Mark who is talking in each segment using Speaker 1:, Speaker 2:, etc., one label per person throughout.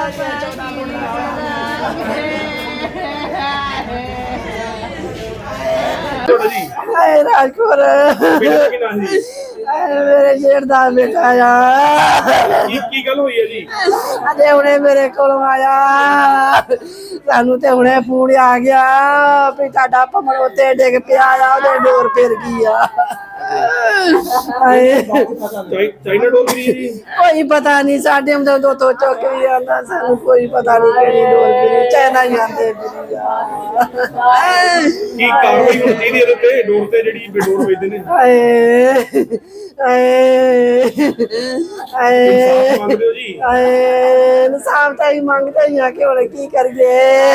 Speaker 1: राजपुर मेरे जेठ दा बेटा आ
Speaker 2: की गल हुई है जी
Speaker 1: अजे हुणे मेरे को आया सानू ते हुणे फोन आ गया भी ताड़ा भमण उत्ते डिग पिया आ ओदे डोर फिर गई आ
Speaker 2: चाइना डोर गिरी जी
Speaker 1: कोई पता नहीं साडे हम तो चौक भी आंदा सानू कोई पता नहीं केड़ी डोर गिरी चाइना ही आंदे
Speaker 2: की कार्रवाई होनी चाहिए ਇਹਦੇ ਤੇ ਡੋਰ ਤੇ ਜਿਹੜੀ ਬੇਡੋਰ ਵੇਚਦੇ ਨੇ ਇਨਸਾਫ ਮੰਗਦੇ ਹੋ ਜੀ
Speaker 1: ਇਨਸਾਫ ਤਾਂ ਹੀ ਮੰਗਦੇ ਹੀ ਆ ਕਿ ਹੁਣ ਕੀ ਕਰੀਏ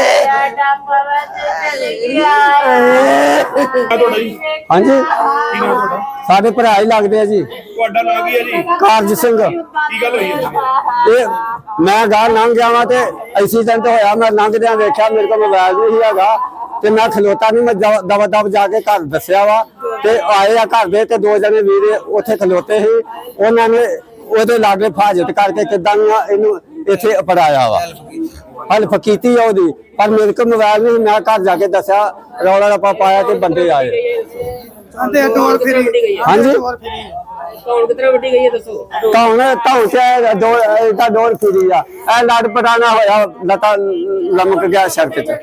Speaker 2: ਤੁਹਾਡਾ ਜੀ
Speaker 3: ਹਾਂਜੀ
Speaker 2: ਕੀ ਨਾਮ ਤੁਹਾਡਾ
Speaker 3: ਸਾਡੇ ਭਰਾ ਹੀ ਲੱਗਦੇ ਆ ਜੀ।
Speaker 2: ਤੁਹਾਡਾ ਨਾਮ ਕੀ ਹੈ ਜੀ
Speaker 3: ਕਾਰਜ ਸਿੰਘ।
Speaker 2: ਕੀ ਗੱਲ ਹੋਈ ਹੈ
Speaker 3: ਇਹ ਮੈਂ ਗਾਂ ਲੰਘ ਜਾਵਾਂ ਤੇ ਐਕਸੀਡੈਂਟ ਹੋਇਆ। ਮੈਂ ਲੰਘਦਿਆਂ ਵੇਖਿਆ ਮੇਰੇ ਕੋਲ ਮੋਬਾਈਲ ਨਹੀਂ ਹੈਗਾ ਤੇ ਮੈਂ ਖਲੋਤਾ ਨਹੀਂ। ਮੈਂ ਦਵਾ ਦਵ ਜਾ ਕੇ ਘਰ ਦੱਸਿਆ ਵਾ ਤੇ ਆਏ ਆ ਘਰ ਦੇ ਤੇ ਦੋ ਜਣੇ ਵੀਰੇ ਉੱਥੇ ਖਲੋਤੇ ਸੀ। ਉਹਨਾਂ ਨੇ ਉਹਦੇ ਲਾਗੇ ਫਾਜ਼ਤ ਕਰਕੇ ਕਿਦਾਂ ਇਹਨੂੰ ਇੱਥੇ ਅਪੜਾਇਆ ਵਾ। ਹੈਲਪ ਕੀਤੀ ਆ ਉਹਦੀ ਪਰ ਮੇਰੇ ਕੋਲ ਮੋਬਾਈਲ ਨਹੀਂ। ਮੈਂ ਘਰ ਜਾ ਕੇ ਦੱਸਿਆ ਰੌਲਾ ਰੱਪਾ ਪਾਇਆ ਤੇ ਬੰਦੇ ਆਏ।
Speaker 1: ਡੋਰ ਫਿਰੀ
Speaker 3: ਹਾਂਜੀ
Speaker 4: ਕੌਣ ਕਿਤਨਾ ਵੱਡੀ ਗਈ ਹੈ ਦੱਸੋ
Speaker 3: ਧੌਣ ਤੇ ਡੋਰ ਫਿਰੀ ਆ। ਇਹ ਲੜ ਪਟਾਣਾ ਹੋਇਆ ਲਤਾ ਲਮਕ ਗਿਆ ਸੜਕ ਤੇ।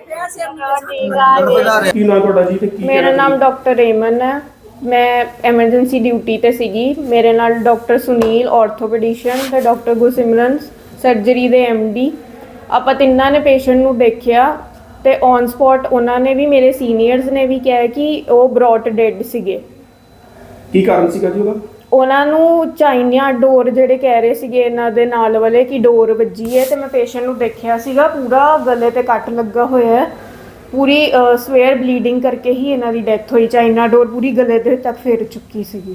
Speaker 2: ਕੀ ਨਾਮ ਤੁਹਾਡਾ ਜੀ ਤੇ ਕੀ
Speaker 5: ਮੇਰਾ ਨਾਮ ਡਾਕਟਰ ਰੇਮਨ ਹੈ। ਮੈਂ ਐਮਰਜੈਂਸੀ ਡਿਊਟੀ ਤੇ ਸੀਗੀ। ਮੇਰੇ ਨਾਲ ਡਾਕਟਰ ਸੁਨੀਲ ਆਰਥੋਪੈਡਿਸ਼ਨ ਤੇ ਡਾਕਟਰ ਗੁਰਸਿਮਰਨ ਸਰਜਰੀ ਦੇ ਐਮਡੀ ਆਪਾਂ ਤਿੰਨਾਂ ਨੇ ਪੇਸ਼ੈਂਟ ਨੂੰ ਦੇਖਿਆ ਤੇ ਔਨ ਸਪੌਟ ਉਹਨਾਂ ਨੇ ਵੀ ਮੇਰੇ ਸੀਨੀਅਰਸ ਨੇ ਵੀ ਕਿਹਾ ਕਿ ਉਹ ਬ੍ਰੌਟ ਡੈਡ ਸੀਗੇ।
Speaker 2: ਕੀ ਕਾਰਨ ਸੀਗਾ ਜੀ ਉਹਦਾ?
Speaker 5: ਉਹਨਾਂ ਨੂੰ ਚਾਈਨਾ ਡੋਰ ਜਿਹੜੇ ਕਹਿ ਰਹੇ ਸੀਗੇ ਇਹਨਾਂ ਦੇ ਨਾਲ ਵਾਲੇ ਕਿ ਡੋਰ ਵੱਜੀ ਹੈ ਤੇ ਮੈਂ ਪੇਸ਼ੈਂਟ ਨੂੰ ਦੇਖਿਆ ਸੀਗਾ ਪੂਰਾ ਗਲੇ ਤੇ ਕੱਟ ਲੱਗਾ ਹੋਇਆ ਹੈ। ਪੂਰੀ ਸਵੇਅਰ ਬਲੀਡਿੰਗ ਕਰਕੇ ਹੀ ਇਹਨਾਂ ਦੀ ਡੈਥ ਹੋਈ। ਚਾਈਨਾ ਡੋਰ ਪੂਰੀ ਗਲੇ ਦੇ ਤੱਕ ਫੇਰ ਚੁੱਕੀ ਸੀਗੀ।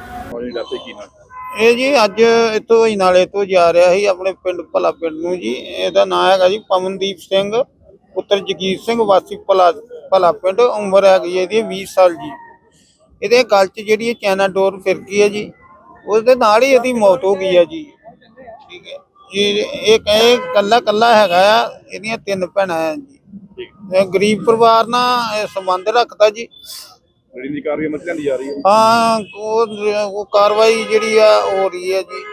Speaker 6: ਇਹ ਜੀ ਅੱਜ ਇੱਥੋਂ ਹੀ ਨਾਲੇ ਤੋਂ ਜਾ ਰਿਹਾ ਸੀ ਆਪਣੇ ਪਿੰਡ ਭਲਾ ਪਿੰਡ ਨੂੰ ਜੀ। ਇਹਦਾ ਨਾਮ ਹੈਗਾ ਜੀ ਪਵਨਦੀਪ ਸਿੰਘ ਪੁੱਤਰ ਜਗੀਰ ਸਿੰਘ ਵਾਸੀ ਭਲਾ ਪਿੰਡ। ਉਮਰ ਹੈਗੀ ਇਹਦੀ 20 ਸਾਲ ਜੀ। ਇਹਦੇ ਗਲ 'ਚ ਜਿਹੜੀ ਚਾਈਨਾ ਡੋਰ ਫਿਰ ਗਈ ਹੈ ਜੀ। ਉਸਦੇ ਨਾਲ ਹੀ ਇਹਦੀ ਮੌਤ ਹੋ ਗਈ ਹੈ ਜੀ। ਠੀਕ ਹੈ ਜੀ। ਇਹ ਕਹੇ ਕੱਲਾ ਹੈਗਾ ਆ। ਇਹਦੀਆਂ 3 ਭੈਣਾਂ ਆ ਜੀ। ਗਰੀਬ ਪਰਿਵਾਰ ਨਾਲ ਸੰਬੰਧ ਰੱਖਦਾ ਜੀ।
Speaker 2: ਜਿਹੜੀ ਕਾਰਵਾਈ ਮਸਲਿਆਂ ਦੀ ਜਾ ਰਹੀ ਹੈ
Speaker 6: ਹਾਂ ਉਹ ਕਾਰਵਾਈ ਜਿਹੜੀ ਆ ਹੋ ਰਹੀ ਹੈ ਜੀ।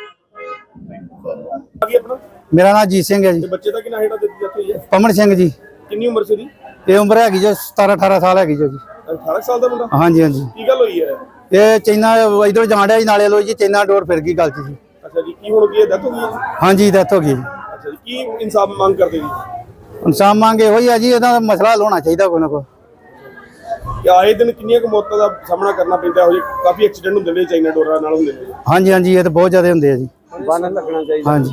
Speaker 2: ਕੀ ਆਪਣਾ
Speaker 3: ਮੇਰਾ ਨਾਮ ਜੀਤ ਸਿੰਘ ਹੈ ਜੀ।
Speaker 2: ਤੇ ਬੱਚੇ ਦਾ ਕੀ ਨਾਮ ਹੈਗਾ ਦਿੱਤੀ ਹੋਈ ਹੈ?
Speaker 3: ਪਮਨ ਸਿੰਘ ਜੀ।
Speaker 2: ਕਿੰਨੀ ਉਮਰ ਸੀ ਉਹਦੀ?
Speaker 3: ਇਹ ਉਮਰ ਹੈਗੀ ਜੀ 17-18 ਸਾਲ ਹੈਗੀ ਜੀ।
Speaker 2: 18 ਸਾਲ ਦਾ ਮੁੰਡਾ?
Speaker 3: ਹਾਂਜੀ ਹਾਂਜੀ।
Speaker 2: ਕੀ ਗੱਲ ਹੋਈ ਹੈ?
Speaker 3: ਇਹ ਚਾਈਨਾ ਇਧਰੋਂ ਜਾਣ ਡਿਆ ਜੀ ਨਾਲੇ ਲੋ ਜੀ। ਚਾਈਨਾ ਡੋਰ ਫਿਰ ਗਈ ਗਲ 'ਚ ਜੀ।
Speaker 2: ਅੱਛਾ ਜੀ। ਕੀ ਹੁਣ ਕੀ ਡੈਥ ਹੋ ਗਈ ਹੈ?
Speaker 3: ਹਾਂਜੀ ਡੈਥ ਹੋ ਗਈ ਜੀ।
Speaker 2: ਅੱਛਾ ਜੀ। ਕੀ ਇਨਸਾਫ ਮੰਗ ਕਰਦੇ ਜੀ?
Speaker 3: ਇਨਸਾਨ ਮੰਗ ਇਹੋ ਹੀ ਆ ਜੀ। ਇਹਦਾ ਮਸਲਾ ਹੱਲ ਹੋਣਾ ਚਾਹੀਦਾ ਕੋਈ ਨਾ ਕੋਈ।
Speaker 2: ਆਏ ਦਿਨ ਕਿੰਨੀਆਂ ਕੁ ਮੌਤਾਂ ਦਾ ਸਾਹਮਣਾ ਕਰਨਾ ਪੈਂਦਾ ਹੋ ਜੀ? ਕਾਫੀ ਐਕਸੀਡੈਂਟ ਹੁੰਦੇ ਨੇ ਚਾਈਨਾ ਡੋਰਾਂ ਨਾਲ ਹੁੰਦੇ ਨੇ।
Speaker 3: ਹਾਂਜੀ ਹਾਂਜੀ ਇਹ ਤਾਂ ਬਹੁਤ ਜ਼ਿਆਦਾ ਹੁੰਦੇ ਆ ਜੀ।
Speaker 2: ਬੰਨ ਲੱਗਣਾ ਚਾਹੀਦਾ।
Speaker 3: ਹਾਂਜੀ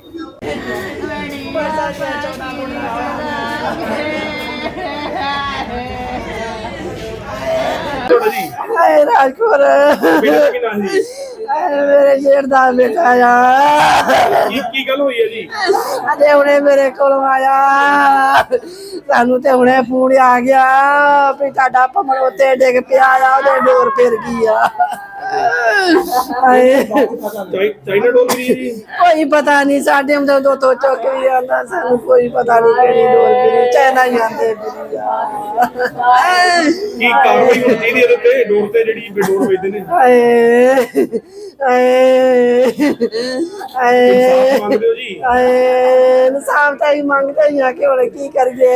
Speaker 2: ਤੁਹਾਡਾ ਜੀ
Speaker 1: राजपुर
Speaker 2: ਬੇਟਾ ਦਾ ਕੀ ਨਾਮ ਜੀ?
Speaker 1: मेरे जेठ दा बेटा आ
Speaker 2: ਕੀ ਗੱਲ ਹੋਈ ਹੈ ਜੀ?
Speaker 1: अजे हुणे मेरे को आया सानू ते हुणे फोन आ गया भी ताड़ा भमण उत्ते डिग पिया आ ओदे डोर फिर गई आ
Speaker 2: ਚਾਈਨਾ ਡੋਰ गिरी जी
Speaker 1: कोई पता नहीं साडे हम तो चौक भी आंदा सानू कोई पता नहीं केड़ी डोर गिरी चाइना ही आंदे
Speaker 2: ਕੀ ਕਾਰਵਾਈ ਹੋਣੀ ਚਾਹੀਦੀ ਇਹਦੇ ਤੇ ਡੋਰ ਤੇ ਜਿਹੜੀ ਬੇਡੋਰ ਵੇਚਦੇ ਨੇ? ਇਨਸਾਫ ਮੰਗਦੇ ਹੋ ਜੀ?
Speaker 1: ਇਨਸਾਫ ਤਾਂ ਹੀ ਮੰਗਦੇ ਹੀ ਆ ਕਿ ਹੁਣ ਕੀ ਕਰੀਏ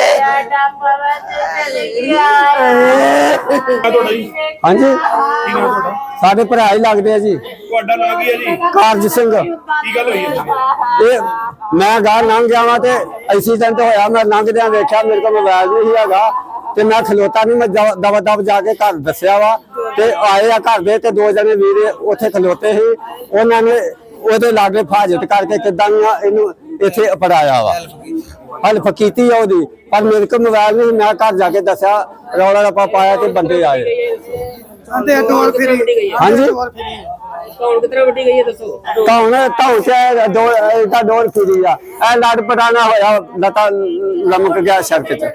Speaker 2: ਤੁਹਾਡਾ ਜੀ
Speaker 3: ਹਾਂਜੀ
Speaker 2: ਕੀ ਨਾਮ ਤੁਹਾਡਾ?
Speaker 3: ਸਾਡੇ ਭਰਾ ਹੀ ਲੱਗਦੇ ਆ ਜੀ।
Speaker 2: ਤੁਹਾਡਾ ਨਾਮ ਕੀ ਹੈ ਜੀ?
Speaker 3: ਕਾਰਜ ਸਿੰਘ।
Speaker 2: ਕੀ ਗੱਲ ਹੋਈ ਹੈ?
Speaker 3: ਇਹ ਮੈਂ ਗਾਂ ਲੰਘ ਜਾਵਾਂ ਤੇ ਐਕਸੀਡੈਂਟ ਹੋਇਆ। ਮੈਂ ਲੰਘਦਿਆਂ ਵੇਖਿਆ ਮੇਰੇ ਕੋਲ ਮੋਬਾਈਲ ਨਹੀਂ ਹੈਗਾ ਤੇ ਮੈਂ ਖਲੋਤਾ ਨਹੀਂ। ਮੈਂ ਦਵਾ ਦਵ ਜਾ ਕੇ ਘਰ ਦੱਸਿਆ ਵਾ ਤੇ ਆਏ ਆ ਘਰ ਦੇ ਤੇ ਦੋ ਜਣੇ ਵੀਰੇ ਉੱਥੇ ਖਲੋਤੇ ਸੀ। ਉਹਨਾਂ ਨੇ ਉਹਦੇ ਲਾਗੇ ਫਾਜ਼ਤ ਕਰਕੇ ਕਿਦਾਂ ਇਹਨੂੰ ਇੱਥੇ ਅਪੜਾਇਆ ਵਾ। ਹੈਲਪ ਕੀਤੀ ਆ ਉਹਦੀ ਪਰ ਮੇਰੇ ਕੋਲ ਮੋਬਾਈਲ ਨਹੀਂ। ਮੈਂ ਘਰ ਜਾ ਕੇ ਦੱਸਿਆ ਰੌਲਾ ਰੱਪਾ ਪਾਇਆ ਤੇ ਬੰਦੇ ਆਏ।
Speaker 1: ਡੋਰ ਫਿਰੀ
Speaker 3: ਹਾਂਜੀ
Speaker 4: ਕੌਣ ਕਿਤਨਾ ਵੱਡੀ ਗਈ ਹੈ ਦੱਸੋ
Speaker 3: ਧੌਣ ਤੇ ਡੋਰ ਫਿਰੀ ਆ। ਇਹ ਲੜ ਪਟਾਣਾ ਹੋਇਆ ਲਤਾ ਲਮਕ ਗਿਆ ਸੜਕ ਤੇ।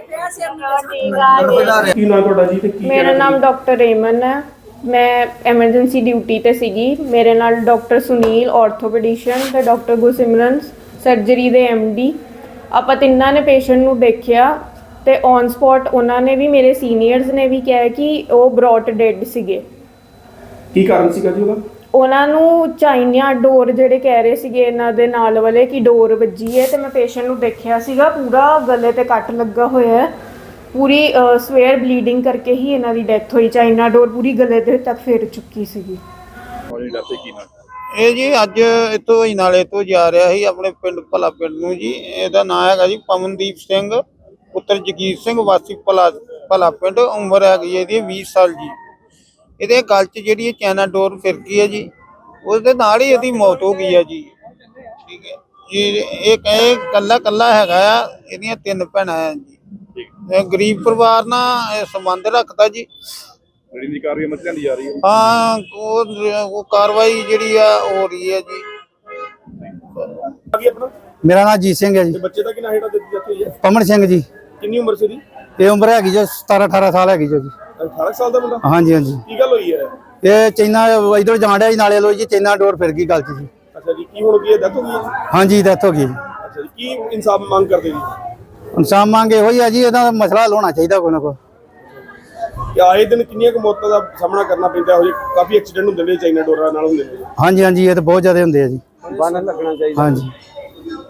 Speaker 2: ਕੀ ਨਾਮ ਤੁਹਾਡਾ ਜੀ ਤੇ ਕੀ
Speaker 5: ਮੇਰਾ ਨਾਮ ਡਾਕਟਰ ਰੇਮਨ ਹੈ। ਮੈਂ ਐਮਰਜੈਂਸੀ ਡਿਊਟੀ ਤੇ ਸੀਗੀ। ਮੇਰੇ ਨਾਲ ਡਾਕਟਰ ਸੁਨੀਲ ਆਰਥੋਪੈਡਿਸ਼ਨ ਤੇ ਡਾਕਟਰ ਗੁਰਸਿਮਰਨ ਸਰਜਰੀ ਦੇ ਐਮਡੀ। ਆਪਾਂ ਤਿੰਨਾਂ ਨੇ ਪੇਸ਼ੈਂਟ ਨੂੰ ਦੇਖਿਆ ਤੇ ਔਨ ਸਪੌਟ ਉਹਨਾਂ ਨੇ ਵੀ, ਮੇਰੇ ਸੀਨੀਅਰਸ ਨੇ ਵੀ ਕਿਹਾ ਕਿ ਉਹ ਬ੍ਰੌਟ ਡੈਡ ਸੀਗੇ।
Speaker 2: ਕੀ ਕਾਰਨ ਸੀਗਾ ਜੀ ਉਹਦਾ?
Speaker 5: ਉਹਨਾਂ ਨੂੰ ਚਾਈਨਾ ਡੋਰ ਜਿਹੜੇ ਕਹਿ ਰਹੇ ਸੀਗੇ ਇਹਨਾਂ ਦੇ ਨਾਲ ਵਾਲੇ ਕਿ ਡੋਰ ਵੱਜੀ ਹੈ, ਤੇ ਮੈਂ ਪੇਸ਼ੈਂਟ ਨੂੰ ਦੇਖਿਆ ਸੀਗਾ ਪੂਰਾ ਗਲੇ ਤੇ ਕੱਟ ਲੱਗਾ ਹੋਇਆ ਹੈ, ਪੂਰੀ ਸਵੇਅਰ ਬਲੀਡਿੰਗ ਕਰਕੇ ਹੀ ਇਹਨਾਂ ਦੀ ਡੈਥ ਹੋਈ। ਚਾਈਨਾ ਡੋਰ ਪੂਰੀ ਗਲੇ ਦੇ ਤੱਕ ਫੇਰ ਚੁੱਕੀ ਸੀਗੀ।
Speaker 6: ਇਹ ਜੀ ਅੱਜ ਇੱਥੋਂ ਹੀ ਨਾਲੇ ਤੋਂ ਜਾ ਰਿਹਾ ਸੀ ਆਪਣੇ ਪਿੰਡ ਭਲਾ ਪਿੰਡ ਨੂੰ ਜੀ। ਇਹਦਾ ਨਾਮ ਹੈਗਾ ਜੀ ਪਵਨਦੀਪ ਸਿੰਘ ਪੁੱਤਰ ਜਗੀਰ ਸਿੰਘ ਵਾਸੀ ਭਲਾ ਪਿੰਡ। ਉਮਰ ਹੈਗੀ ਇਹਦੀ 20 ਸਾਲ ਜੀ। ਇਹਦੇ ਗਲ 'ਚ ਜਿਹੜੀ ਚਾਈਨਾ ਡੋਰ ਫਿਰ ਗਈ ਹੈ ਜੀ, ਉਸਦੇ ਨਾਲ ਹੀ ਇਹਦੀ ਮੌਤ ਹੋ ਗਈ ਹੈ ਜੀ। ਠੀਕ ਹੈ ਜੀ। ਇਹ ਕਹੇ ਕੱਲਾ ਹੈਗਾ ਆ, ਇਹਦੀਆਂ 3 ਭੈਣਾਂ ਆ ਜੀ। ਇਹ ਗਰੀਬ ਪਰਿਵਾਰ ਨਾਲ ਇਹ ਸੰਬੰਧ ਰੱਖਦਾ ਜੀ।
Speaker 2: ਜਿਹੜੀ ਕਾਰਵਾਈ ਮਸਲਿਆਂ ਦੀ ਜਾ ਰਹੀ ਹੈ।
Speaker 6: ਹਾਂ, ਉਹ ਕਾਰਵਾਈ ਜਿਹੜੀ ਆ ਹੋ ਰਹੀ ਹੈ ਜੀ।
Speaker 2: ਕੀ ਆਪਣਾ?
Speaker 3: ਮੇਰਾ ਨਾਮ ਜੀਤ ਸਿੰਘ ਹੈ ਜੀ।
Speaker 2: ਤੇ ਬੱਚੇ ਦਾ ਕਿੰਨਾ ਹੇਠਾਂ ਦਿੱਤੀ ਜਾਂਦੀ ਹੈ?
Speaker 3: ਪਮਨ ਸਿੰਘ ਜੀ।
Speaker 2: ਕਿੰਨੀ ਉਮਰ ਸੀ ਦੀ?
Speaker 3: ਇਹ ਉਮਰ ਹੈਗੀ ਜੋ 17-18 ਸਾਲ ਹੈਗੀ ਜੋ ਜੀ।
Speaker 2: 18 ਸਾਲ ਦਾ ਮੁੰਡਾ?
Speaker 3: ਹਾਂਜੀ ਹਾਂਜੀ।
Speaker 2: ਕੀ ਗੱਲ ਹੋਈ ਹੈ?
Speaker 3: ਇਹ ਚਾਈਨਾ ਇਧਰ ਜਾਣ ਡਿਆ ਜੀ ਨਾਲੇ ਲੋ ਜੀ, ਚਾਈਨਾ ਡੋਰ ਫਿਰ ਗਈ ਗਲ 'ਚ ਜੀ।
Speaker 2: ਅੱਛਾ ਜੀ। ਕੀ ਹੁਣ ਕੀ ਹੈ? ਡੈਥ ਹੋ ਗਈ ਹੈ?
Speaker 3: ਹਾਂਜੀ ਡੈਥ ਹੋ ਗਈ ਜੀ।
Speaker 2: ਅੱਛਾ ਜੀ। ਕੀ ਇਨਸਾਫ ਮੰਗ ਕਰਦੇ ਜੀ?
Speaker 3: ਇਨਸਾਨ ਮੰਗ ਇਹੋ ਹੀ ਆ ਜੀ, ਇਹਦਾ ਮਸਲਾ ਹੱਲ ਹੋਣਾ ਚਾਹੀਦਾ ਕੋਈ ਨਾ ਕੋਈ।
Speaker 2: ਕਿ ਆਏ ਦਿਨ ਕਿੰਨੀਆਂ ਕੁ ਮੌਤਾਂ ਦਾ ਸਾਹਮਣਾ ਕਰਨਾ ਪੈਂਦਾ ਹੋ ਜੀ? ਕਾਫੀ ਐਕਸੀਡੈਂਟ ਹੁੰਦੇ ਨੇ ਚਾਈਨਾ ਡੋਰਾਂ ਨਾਲ ਹੁੰਦੇ ਨੇ।
Speaker 3: ਹਾਂਜੀ ਹਾਂਜੀ, ਇਹ ਤਾਂ ਬਹੁਤ ਜ਼ਿਆਦਾ ਹੁੰਦੇ ਆ ਜੀ।
Speaker 2: ਬੰਨ ਲੱਗਣਾ ਚਾਹੀਦਾ।
Speaker 3: ਹਾਂਜੀ।